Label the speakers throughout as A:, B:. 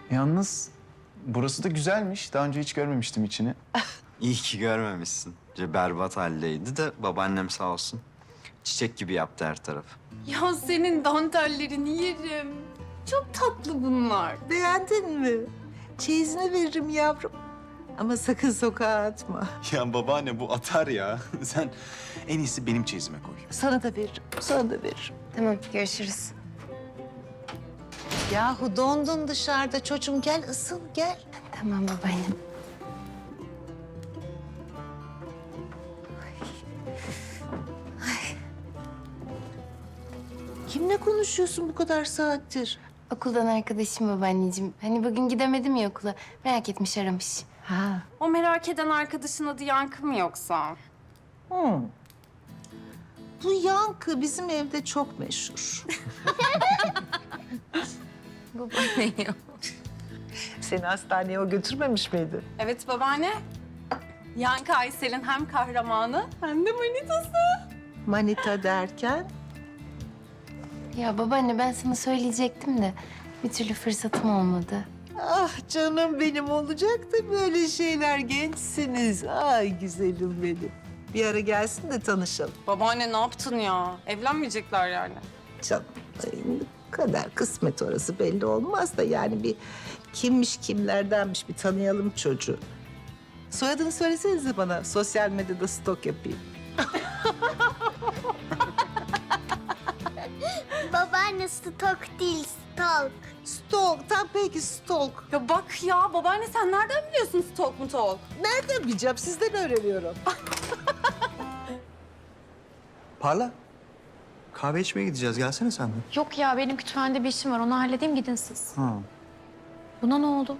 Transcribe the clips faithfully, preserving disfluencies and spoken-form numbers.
A: Yalnız burası da güzelmiş. Daha önce hiç görmemiştim içini.
B: İyi ki görmemişsin. Ce berbat haldeydi de babaannem sağ olsun. Çiçek gibi yaptı her tarafı.
C: Ya senin dantellerini yerim. Çok tatlı bunlar.
D: Beğendin mi? Çeyizini veririm yavrum. Ama sakın sokağa atma.
A: Ya babaanne bu atar ya. Sen en iyisi benim çeyizime koy.
D: Sana da veririm, sana da veririm.
C: Tamam, görüşürüz.
D: Yahu dondun dışarıda çocuğum. Gel ısın, gel.
C: Tamam babaannem.
D: Kimle konuşuyorsun bu kadar saattir?
C: Okuldan arkadaşım babaanneciğim. Hani bugün gidemedim ya okula. Merak etmiş, aramış.
D: Ha.
E: O merak eden arkadaşın adı Yankı mı yoksa?
D: Hmm. Bu yankı bizim evde çok meşhur.
C: Babaanne ya.
D: Seni hastaneye o götürmemiş miydi?
E: Evet babaanne. Yankı Aysel'in hem kahramanı hem de manitası.
D: Manita derken?
C: Ya babaanne, ben sana söyleyecektim de bir türlü fırsatım olmadı.
D: Ah canım benim, olacaktı böyle şeyler, gençsiniz. Ay güzelim benim. Bir ara gelsin de tanışalım.
E: Babaanne ne yaptın ya? Evlenmeyecekler yani.
D: Canım ay, ne kadar kısmet orası belli olmaz da yani bir kimmiş kimlerdenmiş bir tanıyalım çocuğu. Soyadını söylesenize bana, sosyal medyada stok yapayım.
F: Babaanne stok değil, stalk.
D: Stalk, tam peki stalk.
E: Ya bak ya babaanne sen nereden biliyorsun stalk mu talk?
D: Nereden bileceğim, sizden öğreniyorum.
B: Parla. Kahve içmeye gideceğiz. Gelsene sen de.
G: Yok ya, benim kütüphanede bir işim var. Onu halledeyim, gidin siz.
B: Ha.
G: Buna ne oldu?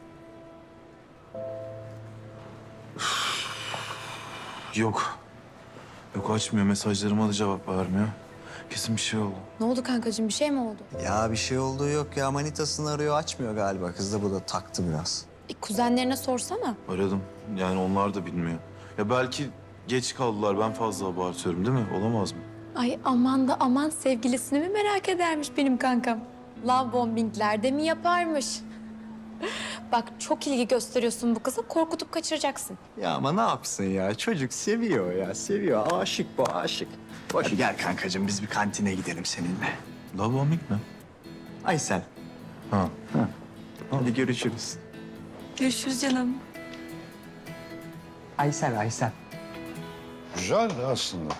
H: Yok. Yok, açmıyor. Mesajlarıma da cevap vermiyor. Kesin bir şey oldu.
G: Ne oldu kankacığım? Bir şey mi oldu?
B: Ya bir şey olduğu yok ya. Manitasını arıyor, açmıyor galiba. Kız da bu da taktı biraz.
G: E, kuzenlerine sorsana.
H: Aradım. Yani onlar da bilmiyor. Ya belki geç kaldılar. Ben fazla abartıyorum değil mi? Olamaz mı?
G: Ay aman da aman, sevgilisini mi merak edermiş benim kankam? Love bombingler de mi yaparmış? Bak, çok ilgi gösteriyorsun bu kıza. Korkutup kaçıracaksın.
B: Ya ama ne yapsın ya? Çocuk seviyor ya, seviyor. Aşık bu, aşık. Boş. Hadi gel kankacığım, biz bir kantine gidelim seninle.
H: Love bombing mi?
B: Aysel.
H: Ha.
B: Hadi görüşürüz.
G: Görüşürüz canım.
B: Aysel, Aysel.
I: Güzel aslında.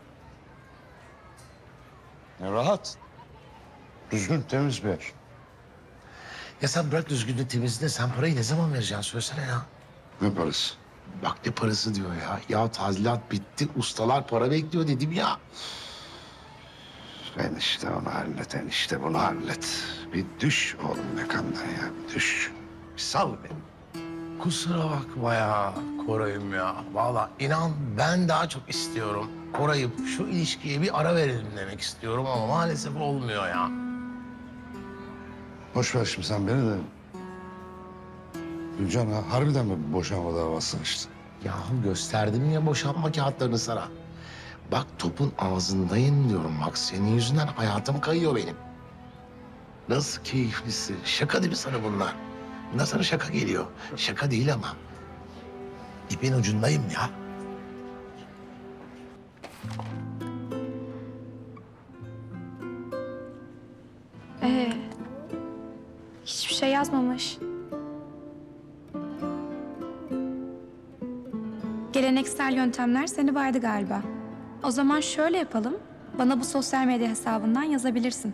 I: Ya rahat. Düzgün, temiz bir yer.
J: Ya sen bırak düzgünlüğü temizliği, sen parayı ne zaman vereceksin söylesene ya.
I: Ne parası?
J: Bak ne parası diyor ya. Ya tadilat bitti, ustalar para bekliyor dedim ya.
I: Enişte onu hallet, enişte bunu hallet. Bir düş oğlum mekandan ya, bir düş. Bir sal beni.
J: Kusura bakma ya Koray'ım ya. Vallahi inan ben daha çok istiyorum. Koray'ım şu ilişkiye bir ara verelim demek istiyorum ama maalesef olmuyor ya.
I: Boş ver şimdi sen beni de. Gülcan ha, harbiden mi boşanma davası açtın?
J: Yahu gösterdim ya boşanma kağıtlarını sana. Bak topun ağzındayım diyorum. Bak senin yüzünden hayatım kayıyor benim. Nasıl keyiflisi. Şaka değil mi sana bunlar? Bunlar sana şaka geliyor. Şaka değil ama. İpin ucundayım ya.
G: Ee, hiçbir şey yazmamış. Geleneksel yöntemler seni baydı galiba. O zaman şöyle yapalım. Bana bu sosyal medya hesabından yazabilirsin.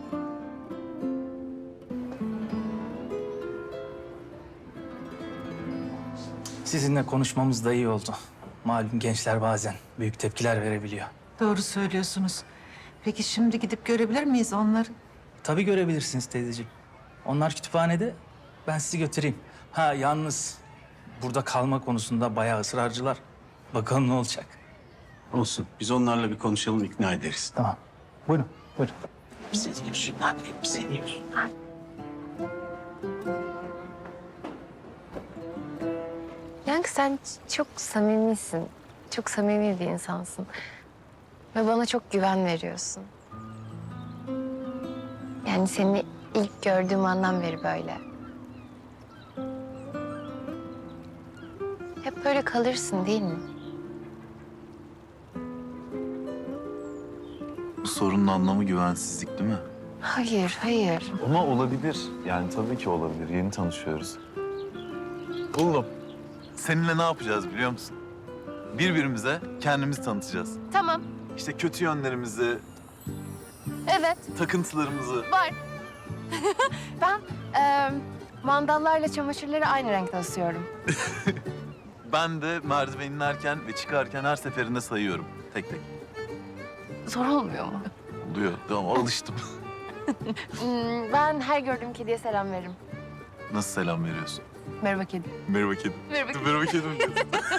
K: Sizinle konuşmamız da iyi oldu. Malum gençler bazen büyük tepkiler verebiliyor.
D: Doğru söylüyorsunuz. Peki şimdi gidip görebilir miyiz onları?
K: Tabii görebilirsiniz teyzeciğim. Onlar kütüphanede, ben sizi götüreyim. Ha yalnız burada kalma konusunda bayağı ısrarcılar. Bakalım ne olacak.
L: Olsun. Biz onlarla bir konuşalım, ikna ederiz.
K: Tamam. Buyurun, buyurun.
J: Bize diyorsun lan, bize diyorsun.
C: Yankı, sen çok samimisin. Çok samimi bir insansın. Ve bana çok güven veriyorsun. Yani seni ilk gördüğüm andan beri böyle. böyle kalırsın değil mi?
H: Bu sorunun anlamı güvensizlik değil mi?
C: Hayır, hayır.
H: Ama olabilir. Yani tabii ki olabilir. Yeni tanışıyoruz. Oğlum, seninle ne yapacağız biliyor musun? Birbirimize kendimizi tanıtacağız.
C: Tamam,
H: İşte kötü yönlerimizi,
C: evet,
H: takıntılarımızı.
C: var. Ben e, mandallarla çamaşırları aynı renkte asıyorum.
H: Ben de merdiven inerken ve çıkarken her seferinde sayıyorum. Tek tek.
C: Zor olmuyor mu?
H: Oluyor. Tamam, alıştım.
C: Hmm, ben her gördüğüm kediye selam veririm.
H: Nasıl selam veriyorsun?
C: Merhaba kedi.
H: Merhaba kedim.
C: Merhaba kedi.
H: Merhaba kedim diyorsun.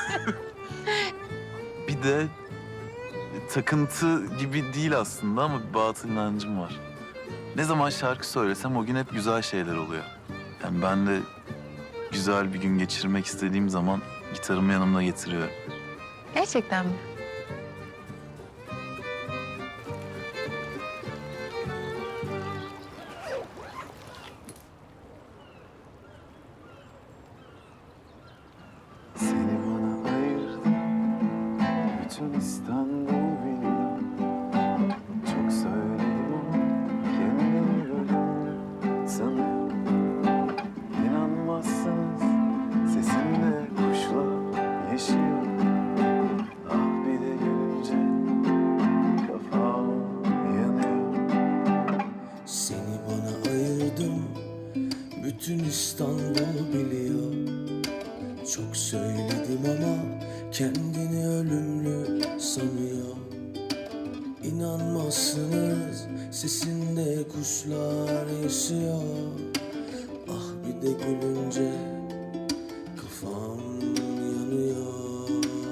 H: Bir de takıntı gibi değil aslında ama bir batıl inancım var. Ne zaman şarkı söylesem o gün hep güzel şeyler oluyor. Yani ben de güzel bir gün geçirmek istediğim zaman gitarımı yanımda getiriyorum.
C: Gerçekten mi?
H: Seni bana ayırdın, bütün İstanbul biliyor. Çok söyledim ama kendimi ölümlü sanıyorum. İnanmazsınız, sesimde kuşlar yaşıyor. Ah bir de gülünce kafam yanıyor.
M: Seni bana ayırdım, bütün İstanbul biliyor. Çok söyledim ama kendini ölümlü sanıyor. İnanmazsınız, sesinde kuşlar yaşıyor. Ah bir de gülünce kafam yanıyor.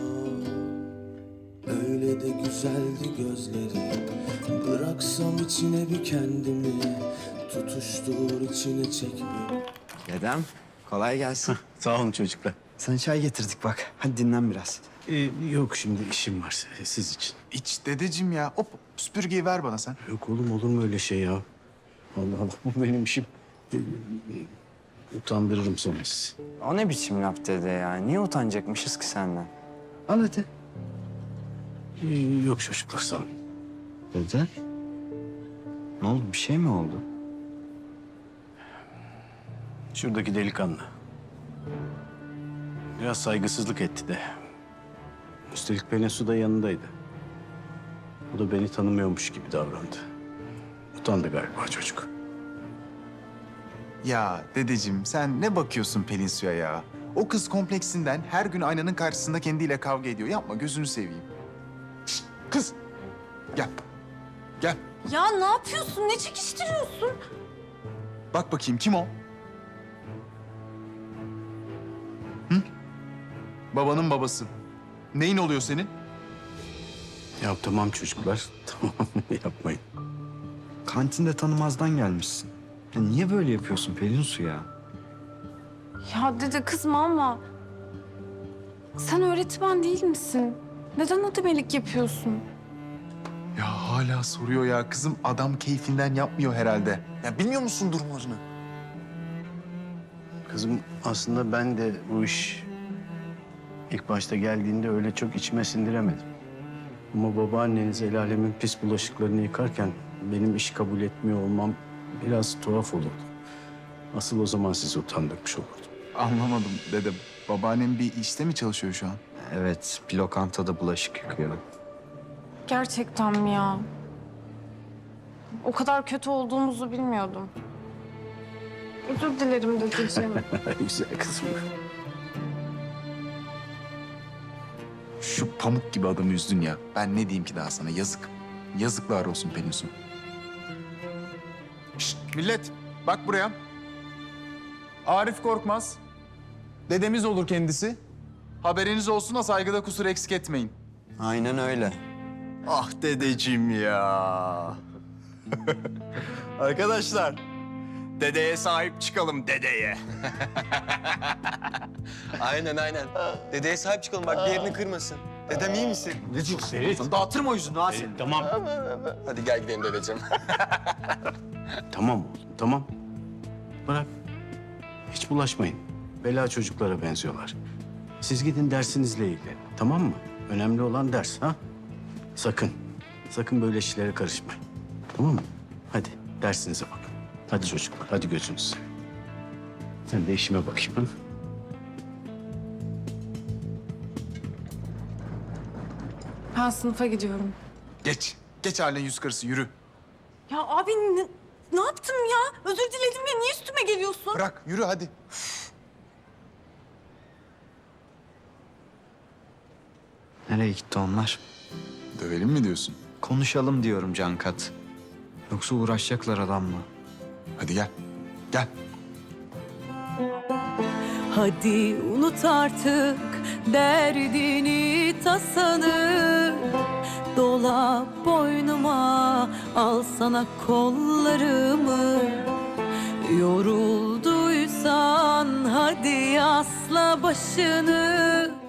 M: Öyle de güzeldi gözleri, bıraksam içine bir kendimi. Tutuştur içine çek bir.
B: Dedem, kolay gelsin.
L: Sağ olun çocuklar.
B: Sana çay getirdik bak. Hadi dinlen biraz.
L: Ee, yok şimdi işim var siz için.
A: İç dedeciğim ya. Hop süpürgeyi ver bana sen.
L: Yok oğlum olur mu öyle şey ya? Allah Allah bu benim işim. Ee, utandırırım sonra sizi.
B: O ne biçim laf dede ya? Niye utanacakmışız ki senden? Al hadi.
L: Ee, yok çocuklar sağ olun.
B: Dede? Ne oldu? Bir şey mi oldu?
L: Şuradaki delikanlı. Biraz saygısızlık etti de. Üstelik Pelinsu da yanındaydı. O da beni tanımıyormuş gibi davrandı. Utandı galiba çocuk.
A: Ya dedeciğim sen ne bakıyorsun Pelinsu'ya ya? O kız kompleksinden her gün aynanın karşısında kendiyle kavga ediyor. Yapma gözünü seveyim. Şişt, kız gel. Gel.
E: Ya ne yapıyorsun? Ne çekiştiriyorsun?
A: Bak bakayım kim o? Hı? Babanın babası. Neyin oluyor senin?
L: Ya tamam çocuklar. Tamam yapmayın.
B: Kantinde tanımazdan gelmişsin. Ya niye böyle yapıyorsun Pelinsu ya?
E: Ya dede kızma ama sen öğretmen değil misin? Neden ademelik yapıyorsun?
A: Ya hala soruyor ya kızım. Adam keyfinden yapmıyor herhalde. Ya bilmiyor musun durumlarını?
L: Kızım aslında ben de bu iş ilk başta geldiğinde öyle çok içime sindiremedim. Ama babaanneniz el alemin pis bulaşıklarını yıkarken benim iş kabul etmiyor olmam biraz tuhaf olurdu. Asıl o zaman sizi utandırmış olurdum.
A: Anlamadım dedem. Babaannem bir işte mi çalışıyor şu an?
B: Evet, bir lokantada bulaşık yıkıyor.
E: Gerçekten mi ya? O kadar kötü olduğumuzu bilmiyordum. Özür dilerim dedeciğim.
L: Güzel kızım.
A: Şu pamuk gibi adamı üzdün ya. Ben ne diyeyim ki daha sana? Yazık. Yazıklar olsun Pelinsu. Şşt millet bak buraya. Arif Korkmaz. Dedemiz olur kendisi. Haberiniz olsun da saygıda kusur eksik etmeyin.
B: Aynen öyle. Ah dedeciğim ya. Arkadaşlar, dedeye sahip çıkalım dedeye.
N: Aynen aynen. Dedeye sahip çıkalım bak bir yerini kırmasın. Dedem iyi misin?
B: Ne diyorsun? Ferit. Dağıtırma o yüzünü ha senin.
L: Tamam.
N: Hadi gel gidelim dedeciğim.
L: Tamam oğlum tamam. Bırak. Hiç bulaşmayın. Bela çocuklara benziyorlar. Siz gidin dersinizle ilgilenin, tamam mı? Önemli olan ders, ha? Sakın, sakın böyle işlere karışmayın. Tamam mı? Hadi dersinize bakın. Hadi çocuklar, hadi gözünüz. Ben de işime bakayım, ha?
E: Ben sınıfa gidiyorum.
A: Geç. Geç haline yüz karısı yürü.
E: Ya abi ne, ne yaptım ya? Özür diledim ya. Niye üstüme geliyorsun?
A: Bırak yürü hadi.
B: Nereye gitti onlar?
A: Dövelim mi diyorsun?
B: Konuşalım diyorum Cankat. Yoksa uğraşacaklar adamla.
A: Hadi gel. Gel.
E: Hadi unut artık derdini tasanı. Dola boynuma, al sana kollarımı. Yorulduysan hadi asla başını.